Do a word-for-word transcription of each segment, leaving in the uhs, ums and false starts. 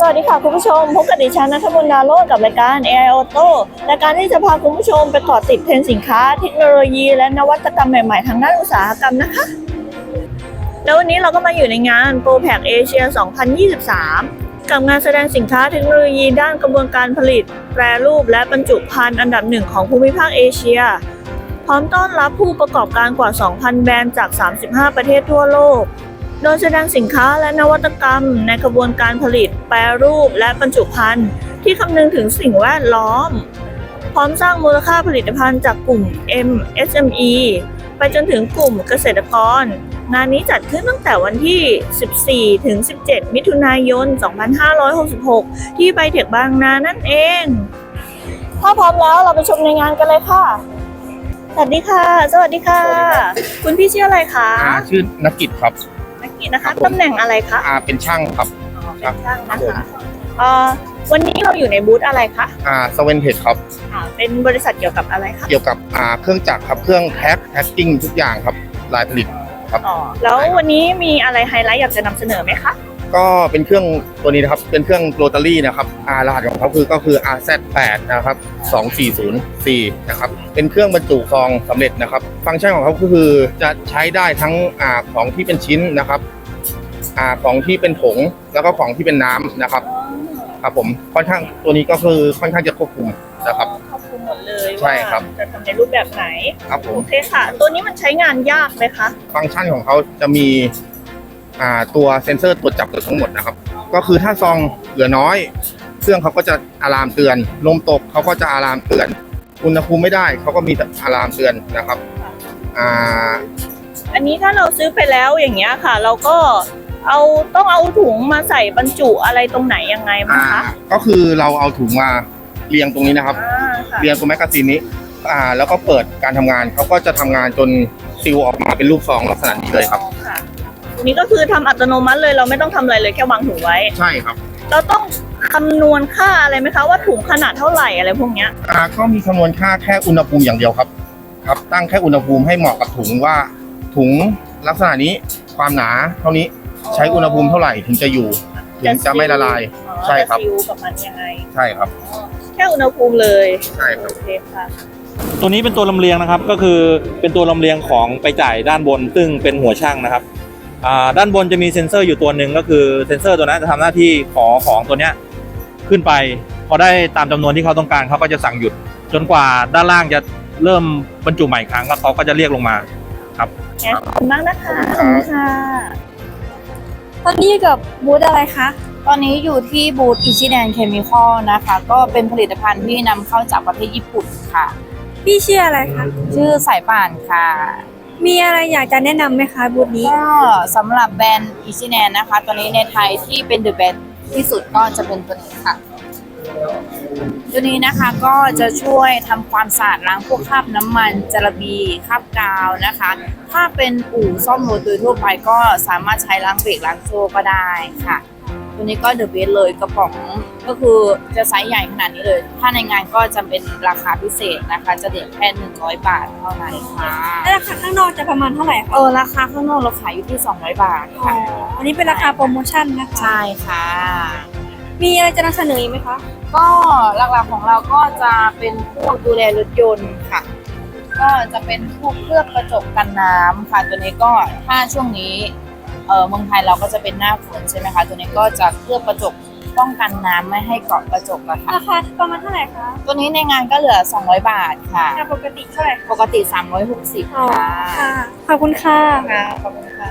วัสดีค่ะคุณผู้ชมพบกับดิฉันณัฐมนต์ ดาโรจน์กับรายการ เอ ไอ Auto รายการที่จะพาคุณผู้ชมไปเกาะติดเทรนด์สินค้าเทคโนโลยีและนวัตกรรมใหม่ๆทางด้านอุตสาหกรรมนะคะแล้ววันนี้เราก็มาอยู่ในงาน โปรแพ็ก เอเชีย สองพันยี่สิบสาม กับงานแสดงสินค้าเทคโนโลยีด้านกระบวนการผลิตแปรรูปและบรรจุภัณฑ์อันดับหนึ่งของภูมิภาคเอเชียพร้อมต้อนรับผู้ประกอบการกว่า สองพัน แบรนด์จาก สามสิบห้า ประเทศทั่วโลกโดยแสดงสินค้าและนวัตกรรมในกระบวนการผลิตแปรรูปและบรรจุภัณฑ์ที่คำนึงถึงสิ่งแวดล้อมพร้อมสร้างมูลค่าผลิตภัณฑ์จากกลุ่ม เอ็ม เอส เอ็ม อี ไปจนถึงกลุ่มเกษตรกรงานนี้จัดขึ้นตั้งแต่วันที่ สิบสี่ ถึง สิบเจ็ด มิถุนายน สองพันห้าร้อยหกสิบหก ที่ไบเทคบางนานั่นเองถ้าพร้อมแล้วเราไปชมในงานกันเลยค่ะสวัสดีค่ะสวัสดีค่ะคุณพี่ชื่ออะไรคะชื่อนักกิจครับนักกิจนะคะตำแหน่งอะไรคะอ่าเป็นช่างครับอ๋อเป็นช่างนะคะเอ่อวันนี้เราอยู่ในบูธอะไรคะอ่าสเวนเทคครับอ่าเป็นบริษัทเกี่ยวกับอะไรคะเกี่ยวกับอ่าเครื่องจักรครับเครื่องแพ็คแพ็คกิ้งทุกอย่างครับลายผลิตครับอ๋อแล้ววันนี้มีอะไรไฮไลท์อยากจะนำเสนอไหมคะก็เป็นเครื่องตัวนี้นะครับเป็นเครื่องโรตารี่นะครับอ่ารหัสของเขาคือก็คือ อาร์ แซด แปด นะครับสองสี่ศูนย์สี่นะครับเป็นเครื่องบรรจุซองสำเร็จนะครับฟังก์ชันของเขาก็คือจะใช้ได้ทั้งอ่าของที่เป็นชิ้นนะครับอ่าของที่เป็นผงแล้วก็ของที่เป็นน้ำนะครับครับผมค่อนข้างตัวนี้ก็คือค่อนข้างจะควบคุมนะครับควบคุมหมดเลยใช่ครับจะทำในรูปแบบไหนครับผมโอเคค่ะตัวนี้มันใช้งานยากไหมคะฟังก์ชันของเขาจะมีอ่าตัวเซ็นเซอร์ตรวจจับทั้งหมดนะครับก็คือถ้าซองเหลือน้อยเครื่องเขาก็จะอะลามเตือนลมตกเขาก็จะอะลามเตือนอุณหภูมิไม่ได้เขาก็มีอะลามเตือนนะครับอ่าอันนี้ถ้าเราซื้อไปแล้วอย่างเงี้ยค่ะเราก็เอาต้องเอาถุงมาใส่บรรจุอะไรตรงไหนยังไงบ้างคะก็คือเราเอาถุงมาเรียงตรงนี้นะครับเรียงตรงแมกกาซีนนี้อ่าแล้วก็เปิดการทำงานเขาก็จะทำงานจนซีลออกมาเป็นรูปซองลักษณะนี้เลยครับนี่ก็คือทำอัตโนมัติเลยเราไม่ต้องทำอะไรเลยแค่วางถุงไว้ใช่ครับเราต้องคำนวณค่าอะไรไหมคะว่าถุงขนาดเท่าไหร่อะไรพวกเนี้ยอ่าก็มีคำนวณค่าแค่อุณหภูมิอย่างเดียวครับครับตั้งแค่อุณหภูมิให้เหมาะกับถุงว่าถุงลักษณะนี้ความหนาเท่านี้ใช้อุณหภูมิเท่าไหร่ถึงจะอยู่ถึงจะไม่ละลายใช่ครับจะซิลกับมันยังไงใช่ครับแค่อุณหภูมิเลยใช่ครับโอเคค่ะตัวนี้เป็นตัวลำเลียงนะครับก็คือเป็นตัวลำเลียงของไปจ่ายด้านบนซึ่งเป็นหัวช่างนะครับด้านบนจะมีเซ็นเซอร์อยู่ตัวหนึ่งก็คือเซ็นเซอร์ตัวนั้นจะทำหน้าที่ขอของตัวเนี้ยขึ้นไปพอได้ตามจำนวนที่เขาต้องการเขาก็จะสั่งหยุดจนกว่าด้านล่างจะเริ่มบรรจุใหม่ครั้งก็เขาก็จะเรียกลงมาครับขอบคุณมากนะคะขอบคุณค่ะตอนนี้กับบูธอะไรคะตอนนี้อยู่ที่บูธอิชิแดนเคมีคอลนะคะก็เป็นผลิตภัณฑ์ที่นำเข้าจากประเทศญี่ปุ่นค่ะพี่ชื่ออะไรคะชื่อสายป่านค่ะมีอะไรอยากจะแนะนำไหมคะบูธนี้ก็สำหรับแบรนด์อิชิแดนนะคะตัวนี้ในไทยที่เป็นเดอะแบรนด์ที่สุดก็จะเป็นตัวนี้ค่ะตัวนี้นะคะก็จะช่วยทำความสะอาดล้างพวกคราบน้ำมันจระบีคราบกาวนะคะถ้าเป็นอู่ซ่อมรถโดยทั่วไปก็สามารถใช้ล้างเบรกล้างโซ่ก็ได้ค่ะตัวนี้ก็เดอะเบสเลยกระป๋องก็คือจะไซส์ใหญ่ขนาดนี้เลยถ้าในงานก็จะเป็นราคาพิเศษนะคะจะเด็ดแค่หนึ่งร้อยบาทเท่านั้นค่ะแล้วราคาข้างนอกจะประมาณเท่าไหร่คะเออราคาข้างนอกเราขายอยู่ที่สองร้อยบาทค่ะอันนี้เป็นราคาโปรโมชั่นนะคะใช่ค่ะมีอะไรจะนำเสนออีกไหมคะก็หลักๆของเราก็จะเป็นพวกดูแลรถยนต์ค่ะก็จะเป็นพวกเคลือบกระจกกันน้ำค่ะตัวนี้ก็ถ้าช่วงนี้เออเมืองไทยเราก็จะเป็นหน้าฝนใช่ไหมคะตัวนี้ก็จะเคลือบกระจกป้องกันน้ำไม่ให้เกาะกระจกนะคะราคาประมาณเท่าไหร่คะตัวนี้ในงานก็เหลือสองร้อยบาทค่ะปกติเท่าไหร่ปกติสามร้อยหกสิบค่ะขอบคุณค่ะขอบคุณค่ะ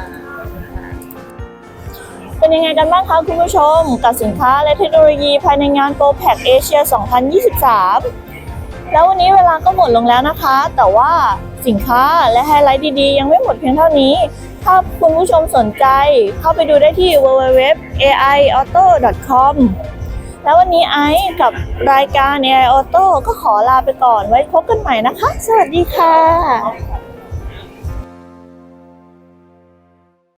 เป็นยังไงกันบ้างคะคุณผู้ชมกับสินค้าและเทคโนโลยีภายในงาน โปรแพ็ก เอเชีย สองพันยี่สิบสาม แล้ววันนี้เวลาก็หมดลงแล้วนะคะแต่ว่าสินค้าและไฮไลท์ดีๆยังไม่หมดเพียงเท่านี้ถ้าคุณผู้ชมสนใจเข้าไปดูได้ที่ ดับเบิลยู ดับเบิลยู ดับเบิลยู ดอท เอ ไอ ออโต้ ดอท คอม แล้ววันนี้ไอซ์กับรายการ เอ ไอ Auto ก็ขอลาไปก่อนไว้พบกันใหม่นะคะสวัสดีค่ะ